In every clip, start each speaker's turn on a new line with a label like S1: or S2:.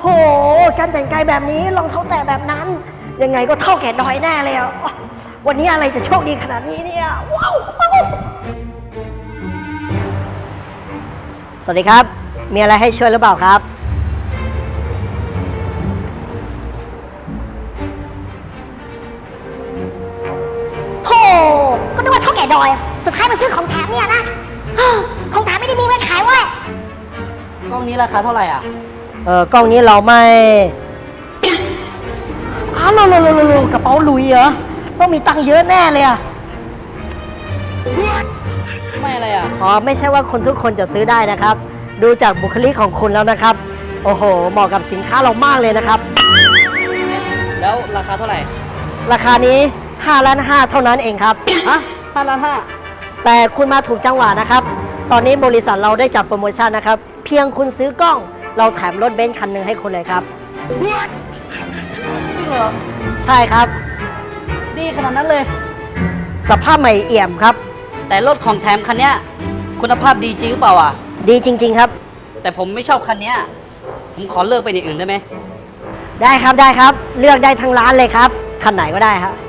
S1: โหการแต่งกายแบบนี้รองเท้าแตะแบบนั้นยังไงก็เท่าแก่ดอยแน่เลยอ่ะวันนี้อะไรจะโชคดีขนาดนี้เนี่ยว้าวสวัสดีครับมีอะไรให้ช่วยหรือเปล่าครับโธ่ก็นึกว่าเท่าแก่ดอยสุดท้ายมาซื้อของแถมเนี่ยนะของแถมไม่ได้มีไว้ขายเว้ย
S2: กล้องนี้ราคาเท่าไหร่อ่ะ
S1: กล้องนี้เราไม่อ้าวโลกระเป๋าหลุยเหรอต้องมีตังค์เยอะแน่เลยอ่ะ
S2: ไม่อะไรอ่ะ
S1: ไม่ใช่ว่าคนทุกคนจะซื้อได้นะครับดูจากบุคลิกของคุณแล้วนะครับโอ้โหเหมาะกับสินค้าเรามากเลยนะครับ
S2: แล้วราคาเท่าไหร่
S1: ราคานี้5.5 ล้านเท่านั้นเองครับ
S2: ฮะ5.5 ล้าน
S1: แต่คุณมาถูกจังหวะนะครับตอนนี้บริษัทเราได้จัดโปรโมชั่นนะครับเพียงคุณซื้อกล้องเราแถมรถเบนซ์คันหนึ่งให้คุณเลยครับ
S2: จริงเหรอ
S1: ใช่ครับ
S2: ดีขนาดนั้นเลย
S1: สภาพใหม่เอี่ยมครับ
S2: แต่รถของแถมคันนี้คุณภาพดีจริงหรือเปล่าอ่ะ
S1: ดีจริงๆครับ
S2: แต่ผมไม่ชอบคันนี้ผมขอเลิกไปอย่างอื่นได้ไหม
S1: ได้ครับได้ครับเลือกได้ทั้งร้านเลยครับคันไหนก็ได้ครับ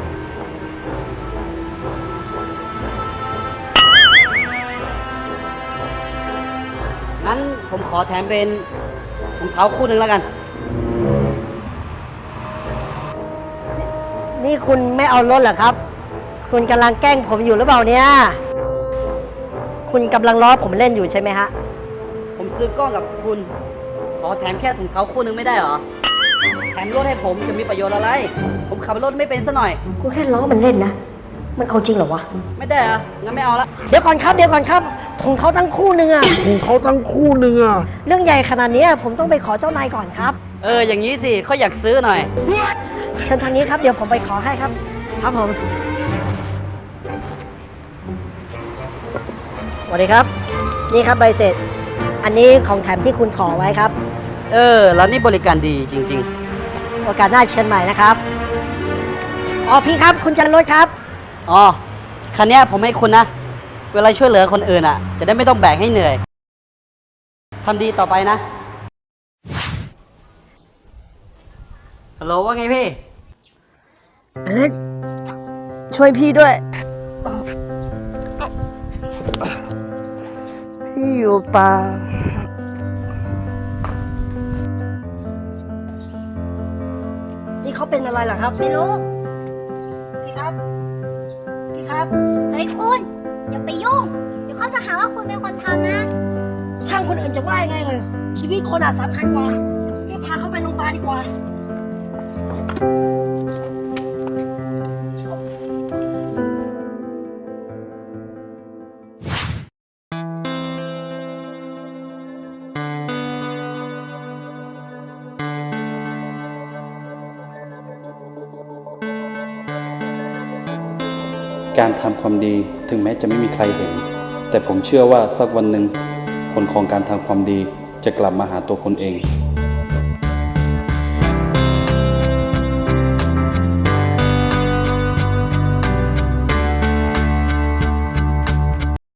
S2: งั้นผมขอแถมเป็นรองเท้าคู่หนึ่งแล้วกัน
S1: นี่คุณไม่เอารถเหรอครับคุณกำลังแกล้งผมอยู่หรือเปล่าเนี่ยคุณกำลังล้อผมเล่นอยู่ใช่ไหมฮะ
S2: ผมซื้อกล้องกับคุณขอแถมแค่ถุงเท้าคู่หนึ่งไม่ได้เหรอแถมรถให้ผมจะมีประโยชน์อะไรผมขับรถไม่เป็นซะหน่อย
S1: กูแค่ล้อมันเล่นนะมันเอาจริงเหรอวะ
S2: ไม่ได้เหรองั้นไม่เอาละ
S1: เดี๋ยวก่อนครับถุงเท้าตั้งคู่หนึ่งอะเรื่องใหญ่ขนาดนี้ผมต้องไปขอเจ้านายก่อนครับ
S2: อย่างนี้สิเขาอยากซื้อหน่อย
S1: เชิญทางนี้ครับเดี๋ยวผมไปขอให้ครับครับผมสวัสดีครับนี่ครับใบเสร็จอันนี้ของแถมที่คุณขอไว้ครับ
S2: แล้วนี่บริการดีจริง
S1: ๆโอกาสหน้าเชิญใหม่นะครับพี่ครับคุณจันรถครับ
S2: คันนี้ผมให้คุณนะเวลาช่วยเหลือคนอื่นอ่ะจะได้ไม่ต้องแบกให้เหนื่อยทำดีต่อไปนะฮัลโหลว่าไงพี่
S1: อเล็กช่วยพี่ด้วยพี่อยู่ป่านี่เขาเป็นอะไรล่ะครับไม่รู้พี่ครับ
S3: เฮ้ยคุณอย่าไปยุ่งเดี๋ยวเขาจะหาว่าคุณเป็นคนทำนะ
S1: ช่างคนอื่นจะว่ายังไงเลยชีวิตคนสำคัญกว่ารีบพาเขาไปโรงพยาบาลดีกว่า
S4: การทำความดีถึงแม้จะไม่มีใครเห็นแต่ผมเชื่อว่าสักวันหนึ่งผลของการทำความดีจะกลับมาหาตัวคนเอง